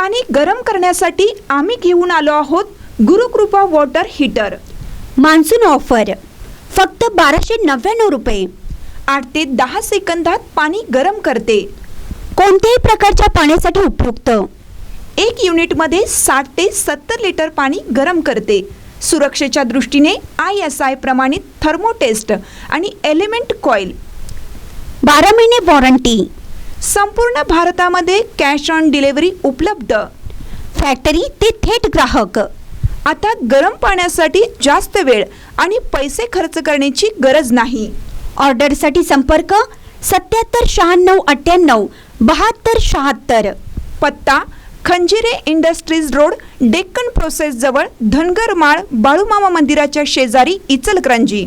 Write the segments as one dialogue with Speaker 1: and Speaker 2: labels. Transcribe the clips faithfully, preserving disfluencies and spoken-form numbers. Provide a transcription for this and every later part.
Speaker 1: पाणी गरम करण्यासाठी आम्ही घेऊन आलो आहोत Gurukrupa water heater.
Speaker 2: Monsoon offer फक्त बाराशे नव्याण्णव रुपये।
Speaker 1: आठ ते दहा सेकंदात पाणी गरम करते।
Speaker 2: कोणत्याही प्रकारच्या पाण्यासाठी उपयुक्त।
Speaker 1: एक युनिटमध्ये साठ ते सत्तर लिटर पाणी गरम करते। सुरक्षेच्या दृष्टीने आय एस आय प्रमाणित थर्मोटेस्ट आणि एलिमेंट कॉइल।
Speaker 2: बारा महिने वॉरंटी।
Speaker 1: संपूर्ण भारतामध्ये कॅश ऑन डिलिव्हरी उपलब्ध।
Speaker 2: फॅक्टरी ते थेट ग्राहक।
Speaker 1: आता गरम पाण्यासाठी जास्त वेळ आणि पैसे खर्च करण्याची गरज नाही।
Speaker 2: ऑर्डरसाठी संपर्क सत्याहत्तर शहाण्णव अठ्ठ्याण्णव बहात्तर शहात्तर।
Speaker 1: पत्ता Khanjire industries road, Deccan process जवळ, धनगर माळ, बाळूमामा मंदिराच्या शेजारी, इचलकरंजी।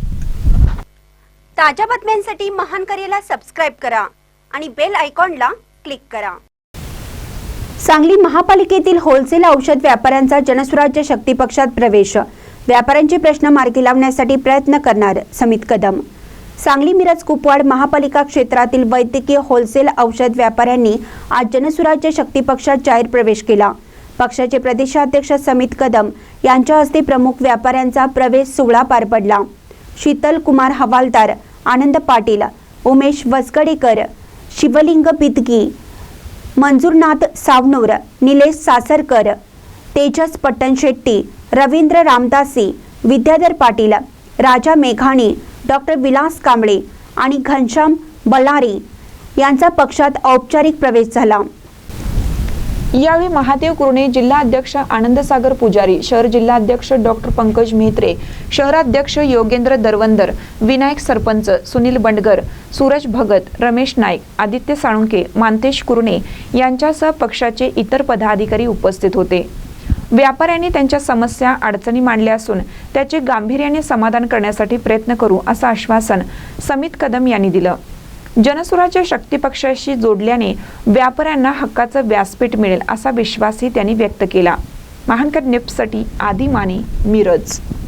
Speaker 2: ताज्या बातम्यांसाठी महान करेला सबस्क्राइब करा आणि बेल आयकॉनला क्लिक करा। सांगली महापालिकेतील होलसेल औषध व्यापाऱ्यांचा जनसुराज्य शक्ती पक्षात प्रवेश। व्यापाऱ्यांचे प्रश्न मार्गी लावण्यासाठी प्रयत्न करणार समित कदम। सांगली मिरज कुपवाड महापालिका क्षेत्रातील वैद्यकीय होलसेल औषध व्यापाऱ्यांनी आज जनसुराज्य शक्ती पक्षात जाहीर प्रवेश केला। पक्षाचे प्रदेशाध्यक्ष समित कदम यांच्या हस्ते प्रमुख व्यापाऱ्यांचा प्रवेश सोहळा पार पडला। शीतल कुमार हवालदार, आनंद पाटील, उमेश वसगडेकर, शिवलिंग पितकी, मंजूरनाथ सावनूर, निलेश सासरकर, तेजस पट्टणशेट्टी, रवींद्र रामदासी, विद्याधर पाटील, राजा मेघाणी, डॉक्टर विलास कांबळे आणि घनश्याम बल्लारी यांचा पक्षात औपचारिक प्रवेश झाला।
Speaker 1: यावेळी महादेव कुरणे, जिल्हाध्यक्ष आनंदसागर पुजारी, शहर जिल्हाध्यक्ष डॉक्टर पंकज मेहत्रे, शहराध्यक्ष योगेंद्र दरवंदर, विनायक सरपंच, सुनील बंडगर, सूरज भगत, रमेश नाईक, आदित्य साळुंके, मानतेश कुरणे यांच्यासह पक्षाचे इतर पदाधिकारी उपस्थित होते। व्यापाऱ्यांनी त्यांच्या समस्या अडचणी मांडल्या असून त्याचे गांभीर्याने समाधान करण्यासाठी प्रयत्न करू असं आश्वासन समित कदम यांनी दिलं। जनसुराज्य शक्ती पक्षाशी जोडल्याने व्यापाऱ्यांना हक्काचं व्यासपीठ मिळेल असा विश्वासही त्यांनी व्यक्त केला। महानकर न्यूजसाठी आदी माने, मिरज।